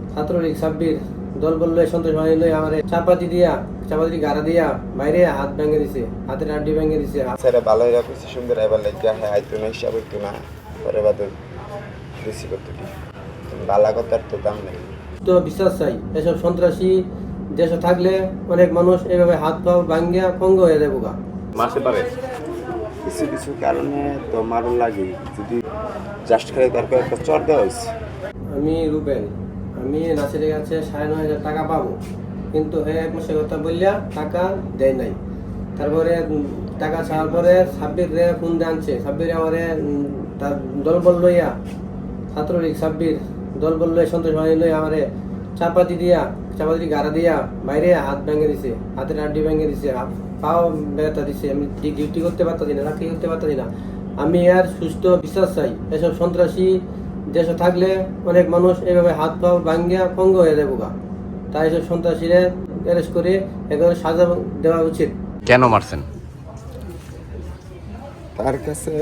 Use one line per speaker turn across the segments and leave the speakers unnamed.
ছাত্রলীগ সাব্বির দল বললো সন্তোষ বাহিনী লই আমার চাপাতি গাড়া দিয়া বাইরে হাত ভেঙে দিছে, হাতের আড্ডি ভেঙে দিছে।
স্যারে ভালো হয়ে গেছে সুন্দর এবার লেগে হ্যাঁ আইতো না হিসাব হইতো না পরে বাদে বেশি করতে দিই বালা কথার তো দাম নেই।
তো বিশ্বাস চাই, এসব সন্ত্রাসী দেশে থাকলে অনেক মানুষ এভাবে হাত পা ভাঙ্গিয়া পঙ্গ হয়ে যাবো গা।
মারতে পারে
কিছু কিছু কারণে তো মারুন লাগে, যদি জাস্ট খালি তারপর একটা চর দেওয়া হয়েছে।
আমি রুবেল, আমি নাসিরের কাছে 9,500 টাকা পাবো, কিন্তু হ্যাঁ এক মাসের কথা বললিয়া টাকা দেয় নাই। তারপরে টাকা ছাড়ার পরে সাব্বির রে ফোন দিয়ে আনছে, সাব্বির আমারে তার দল বল লইয়া ছাত্রলীগ সাব্বির দল বল লই সন্তোষ বাহিনী লই আমারে চাপাতি গাড়া দিয়া বাইরে হাত ভেঙে দিছে, হাতের আড্ডি ভেঙে দিছে, পাও ব্যথা দিছে। আমি ডিউটি করতে পারতাছি না, চাকরি করতে পারতাছি না। আমি আর সুস্থ বিশ্বাস চাই, এসব সন্ত্রাসী দেশে থাকলে অনেক মানুষ এভাবে হাত পা ভাঙ্গিয়া পঙ্গ হয়ে যাবো গা। তাই এসব সন্ত্রাসীরা অ্যারেস্ট করে একেবারে সাজা দেওয়া উচিত।
কেন মারছেন?
তার কাছে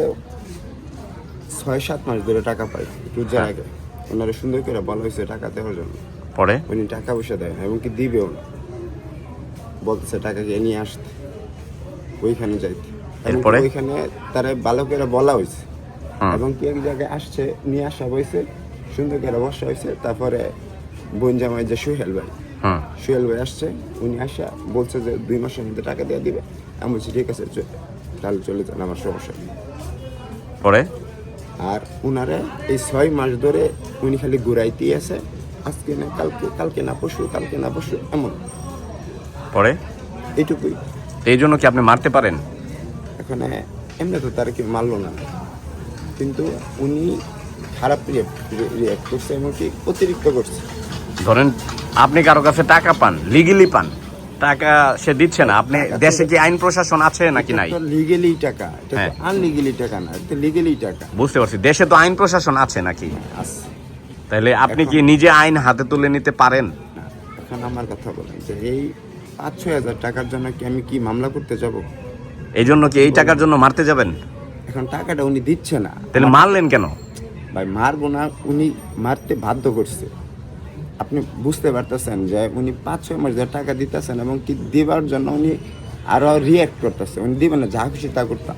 6-7 মাস ধরে টাকা পাই রোজার আগে, ওনারা সুন্দর করে বলা হয়েছে টাকা দেওয়ার জন্য।
পরে
উনি টাকা পয়সা দেয় না এবং কি দিবেও না, বলতেছে টাকাকে নিয়ে আসতে ওইখানে যাইতে।
এরপরে
ওইখানে তারা ভালো করে বলা হয়েছে এবং কি এক জায়গায় আসছে নিয়ে আসা হয়েছে, সুন্দর করে বসা হয়েছে। তারপরে বোন জামাই যে সোহেল ভাই আসছে, উনি আসা বলছে যে 2 মাসের মধ্যে টাকা দিয়ে দিবে। আমি বলছি ঠিক আছে তাহলে চলে যান, আমার সমস্যা নেই।
পরে
আর উনারে এই 6 মাস ধরে উনি খালি ঘুরাইতেই আছে, আজকে না কালকে না পরশু এমন।
পরে
এইটুকুই।
এই জন্য কি আপনি মারতে পারেন?
এখন এমনি তো তারা কি মারলো না, কিন্তু উনি খারাপ রিয়াক্ট করছে এবং কি অতিরিক্ত করছে।
ধরেন আপনি কারো কাছে টাকা পান, লিগেলি পান, টাকা সে দিচ্ছে না, আপনি দেশে কি আইন প্রশাসন আছে নাকি নাই?
লিগেলি টাকা, এটা তো আনলিগেলি টাকা না, এটা লিগেলি টাকা।
বুঝতে পারছি, দেশে তো আইন প্রশাসন আছে নাকি?
আছে।
তাহলে আপনি কি নিজে আইন হাতে তুলে নিতে পারেন?
না, এখন আমার কথা বলেন যে এই 5-6 হাজার টাকার জন্য কি আমি কি মামলা করতে যাব?
এই জন্য কি এই টাকার জন্য মারতে যাবেন?
এখন টাকাটা উনি দিচ্ছে না,
তাহলে মারলেন কেন?
ভাই মারবো না, উনি মারতে বাধ্য করছে। আপনি বুঝতে পারতেছেন যে উনি 5-6 মাস ধরে টাকা দিতেছেন এবং কি দেবার জন্য উনি আরো রিয়াক্ট করতেছে। উনি দিবেন না, যা খুশি তা করতাম।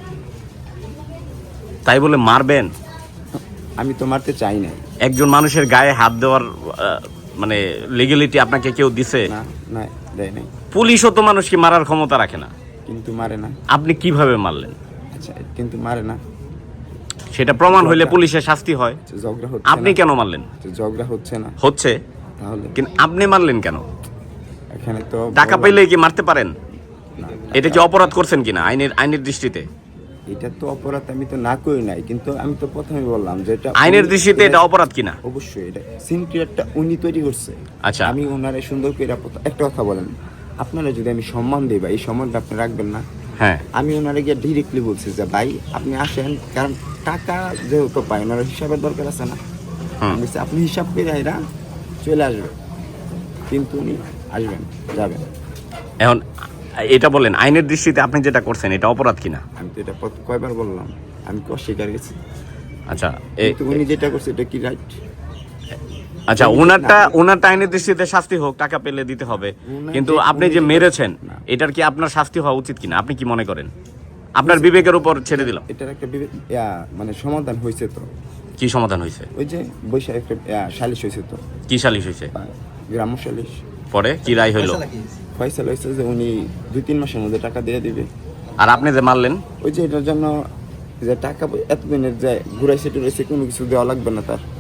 তাই বলে মারবেন?
আমি তো মারতে চাই না।
একজন মানুষের গায়ে হাত দেওয়ার মানে লিগ্যালিটি আপনাকে কেউ দিছে?
না না, দেয় নাই।
পুলিশও তো মানুষকে মারার ক্ষমতা রাখে না।
কিন্তু মারে না।
আপনি কিভাবে মারলেন?
আচ্ছা, কিন্তু মারে না,
সেটা প্রমাণ হইলে পুলিশের শাস্তি হয়।
ঝগড়া হচ্ছে,
আপনি কেন মারলেন?
ঝগড়া হচ্ছে না,
হচ্ছে,
তাহলে
কিন্তু আপনি মারলেন কেন?
এখানে তো
টাকা পেলে কি মারতে পারেন? এটা কি অপরাধ করছেন কিনা আইনের দৃষ্টিতে?
এটা তো অপরাধ আমি তো না করি নাই, কিন্তু আমি তো প্রথমে বললাম যে এটা
আইনের দৃষ্টিতে এটা অপরাধ কিনা।
অবশ্যই এটা সিনক্রিয়েটটা উনি তৈরি করছে।
আচ্ছা,
আমি ওনারে সুন্দর করে একটা কথা বলেন, আপনারা যদি আমি সম্মান দিই, ভাই এই সম্মানটা আপনি রাখবেন না?
হ্যাঁ,
আমি ওনারে গিয়ে ডিরেক্টলি বলছি যে ভাই আপনি আসেন, কারণ টাকা যেহেতু পাই ওনার হিসাবের দরকার আছে না। বলছি আপনি হিসাব করে এরা চলে আসবেন, কিন্তু উনি আসবেন যাবেন।
এখন এটা বলেন আইনের দৃষ্টিতে আপনি যেটা করছেন এটা অপরাধ কিনা?
আমি তো এটা কয়বার বললাম, আমি কি অস্বীকার গেছি?
আচ্ছা,
কিন্তু উনি যেটা করছে এটা কি রাইট?
আচ্ছা, ওনারটা আইনের দৃষ্টিতে শাস্তি হোক, টাকা পেলে দিতে হবে, কিন্তু আপনি যে মেরেছেন এটার কি আপনার শাস্তি হওয়া উচিত কিনা আপনি কি মনে করেন? আপনার বিবেকের উপর ছেড়ে দিলাম।
এটার একটা মানে সমাধান হয়েছে তো।
কি সমাধান হয়েছে?
ওই যে বৈশাখ একটা সালিশ হয়েছে তো।
কি সালিশ হয়েছে?
গ্রাম্য সালিশ।
পরে কি রায় হইলো?
ফয়সালা হয়েছে যে উনি 2-3 মাসের মধ্যে টাকা দিয়ে দিবে।
আর আপনি যে মারলেন,
ওই যে এটার জন্য যে টাকা এতদিনের যে ঘুরাইছে টুরাইছে কোনো কিছু দেওয়া লাগবে না তার।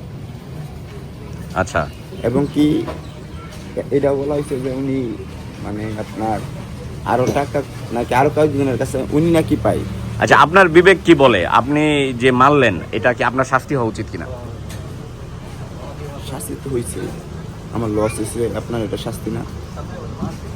আচ্ছা,
এবং কি এটা বলা হয়েছে যে উনি মানে আপনার আরো টাকা নাকি আরো কয়েকজনের কাছে উনি নাকি পায়।
আচ্ছা, আপনার বিবেক কি বলে আপনি যে মারলেন এটা কি আপনার শাস্তি হওয়া উচিত কিনা?
শাস্তি তো হয়েছে, আমার লস হয়েছে, আপনার এটা শাস্তি না?